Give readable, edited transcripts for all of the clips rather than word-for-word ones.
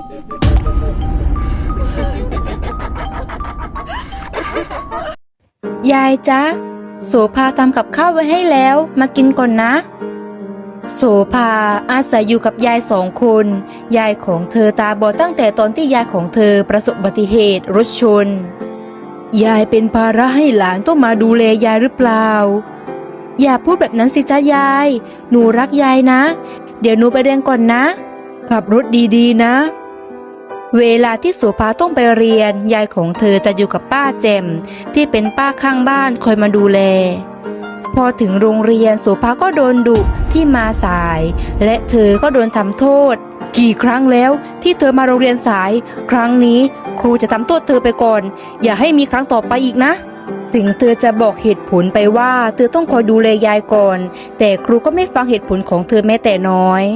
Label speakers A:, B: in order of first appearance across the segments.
A: ยายจ๊ะโสภาทำกับข้าวไว้ให้แล้วมากินก่อนนะโสภาอาศัยอยู่กับยาย2 คนยายของเธอตาบอดตั้งแต่ตอนที่ยายของเธอประสบอุบัติเหตุรถชนยายเป็นภาระให้หลานต้องมาดูแลยายหรือเปล่าอย่าพูดแบบนั้นสิจ๊ะยายหนูรักยายนะเดี๋ยวหนูไปเรียนก่อนนะขับรถดีๆนะเวลาที่โสภาต้องไปเรียนยายของเธอจะอยู่กับป้าแจ่มที่เป็นป้าข้างบ้านคอยมาดูแลพอถึงโรงเรียนโสภาก็โดนดุที่มาสายและเธอก็โดนทำโทษกี่ครั้งแล้วที่เธอมาโรงเรียนสายครั้งนี้ครูจะทำโทษเธอไปก่อนอย่าให้มีครั้งต่อไปอีกนะถึงเธอจะบอกเหตุผลไปว่าเธอต้องคอยดูแลยายก่อนแต่ครูก็ไม่ฟังเหตุผลของเธอแม้แต่น้อย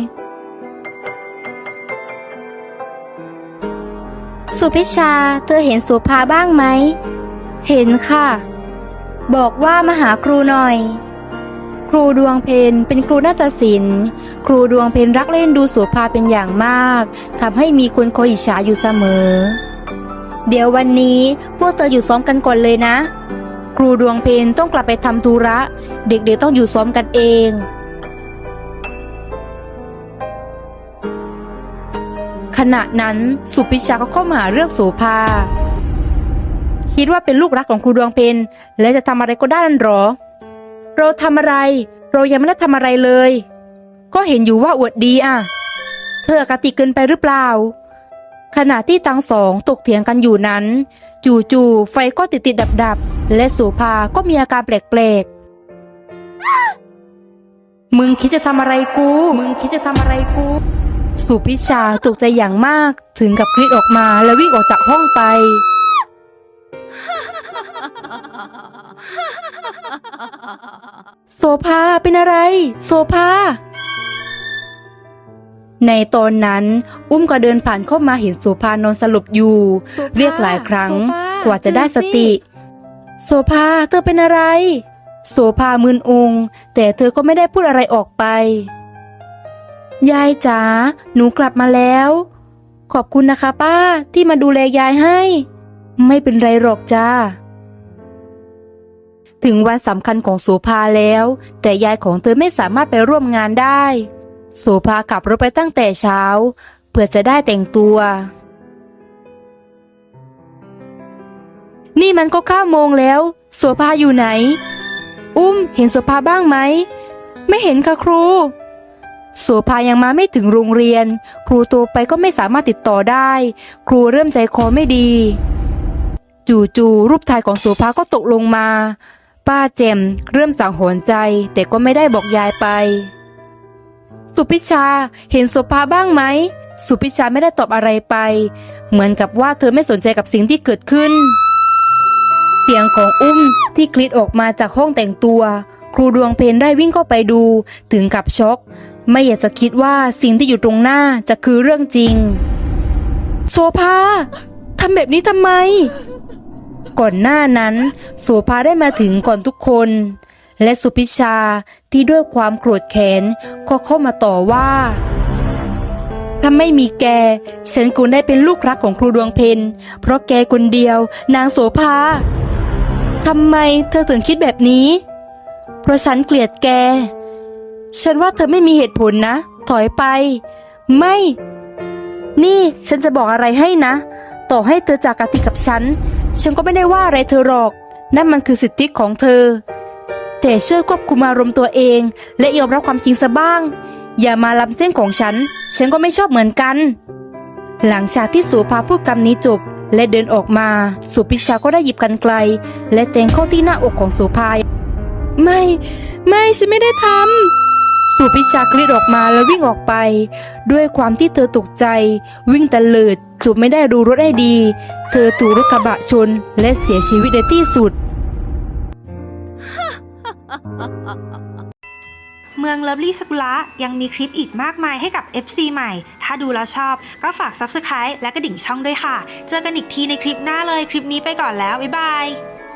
A: สุพิชาเธอเห็นโสภาบ้างไหมเห็นค่ะบอกว่ามาหาครูหน่อยครูดวงเพ็ญเป็นครูนาฏศิลป์ครูดวงเพ็ญรักเล่นดูโสภาเป็นอย่างมากทำให้มีคนคอยอิจฉาอยู่เสมอเดี๋ยววันนี้พวกเธออยู่ซ้อมกันก่อนเลยนะครูดวงเพ็ญต้องกลับไปทำธุระเด็กๆต้องอยู่ซ้อมกันเองขณะนั้นสุพิชาก็เข้ามาหาเรื่องโสภาคิดว่าเป็นลูกรักของครูดวงเพ็ญและจะทำอะไรก็ได้นั่นหรอเราทำอะไรเรายังไม่ได้ทำอะไรเลยก็เห็นอยู่ว่าอวดดีอ่ะเธออคติเกินไปหรือเปล่าขณะที่ทั้งสองตกเถียงกันอยู่นั้นจู่ๆไฟก็ติดดับและโสภาก็มีอาการแปลกๆมึงคิดจะทำอะไรกูสุพิชาตกใจอย่างมากถึงกับกรีดออกมาและวิ่งออกจากห้องไปโสภาเป็นอะไรโสภาในตอนนั้นอุ้มก็เดินผ่านเข้ามาเห็นโสภานอนสลบอยู่เรียกหลายครั้งกว่าจะได้สติโสภาเธอเป็นอะไรโสภามึนงงแต่เธอก็ไม่ได้พูดอะไรออกไปยายจ๋าหนูกลับมาแล้วขอบคุณนะคะป้าที่มาดูแลยายให้ไม่เป็นไรหรอกจ้าถึงวันสำคัญของโสภาแล้วแต่ยายของเธอไม่สามารถไปร่วมงานได้โสภาขับรถไปตั้งแต่เช้าเพื่อจะได้แต่งตัวนี่มันก็9 โมงแล้วโสภาอยู่ไหนอุ้มเห็นโสภาบ้างไหมไม่เห็นค่ะครูโสภายังมาไม่ถึงโรงเรียนครูโทรไปก็ไม่สามารถติดต่อได้ครูเริ่มใจคอไม่ดีจู่ๆรูปถ่ายของโสภาก็ตกลงมาป้าแจ่มเริ่มสังหรณ์ใจแต่ก็ไม่ได้บอกยายไปสุพิชาเห็นโสภาบ้างไหมสุพิชาไม่ได้ตอบอะไรไปเหมือนกับว่าเธอไม่สนใจกับสิ่งที่เกิดขึ้นเสียงของอุ้มที่กรีดออกมาจากห้องแต่งตัวครูดวงเพ็ญได้วิ่งเข้าไปดูถึงกับช็อกไม่อยากจะคิดว่าสิ่งที่อยู่ตรงหน้าจะคือเรื่องจริงโสภาทำแบบนี้ทำไมก่อนหน้านั้นโสภาได้มาถึงก่อนทุกคนและสุพิชาที่ด้วยความโกรธแค้นก็เข้ามาต่อว่าถ้าไม่มีแกฉันคงได้เป็นลูกรักของครูดวงเพ็ญเพราะแกคนเดียวนางโสภาทำไมเธอถึงคิดแบบนี้เพราะฉันเกลียดแกฉันว่าเธอไม่มีเหตุผลนะถอยไปไม่นี่ฉันจะบอกอะไรให้นะต่อให้เธอจากกติกับฉันก็ไม่ได้ว่าอะไรเธอหรอกนั่นมันคือสิทธิของเธอแต่ช่วยควบคุมอารมณ์ตัวเองและยอมรับความจริงซะบ้างอย่ามาล้ำเส้นของฉันก็ไม่ชอบเหมือนกันหลังจากที่โสภาพูดคำนี้จบและเดินออกมาสุพิชาก็ได้หยิบกรรไกรและแทงเข้าที่หน้าอกของโสภาไม่ฉันไม่ได้ทำสุพิชากรีดออกมาแล้ววิ่งออกไปด้วยความที่เธอตกใจวิ่งตะเลิดจุดไม่ได้ดูรถให้ดีเธอถูกรถกระบะชนและเสียชีวิตในที่สุด
B: เมืองเลิฟลี่สกุละยังมีคลิปอีกมากมายให้กับ FC ใหม่ถ้าดูแล้วชอบก็ฝาก Subscribe และกระดิ่งช่องด้วยค่ะเจอกันอีกทีในคลิปหน้าเลยคลิปนี้ไปก่อนแล้วบ๊ายบาย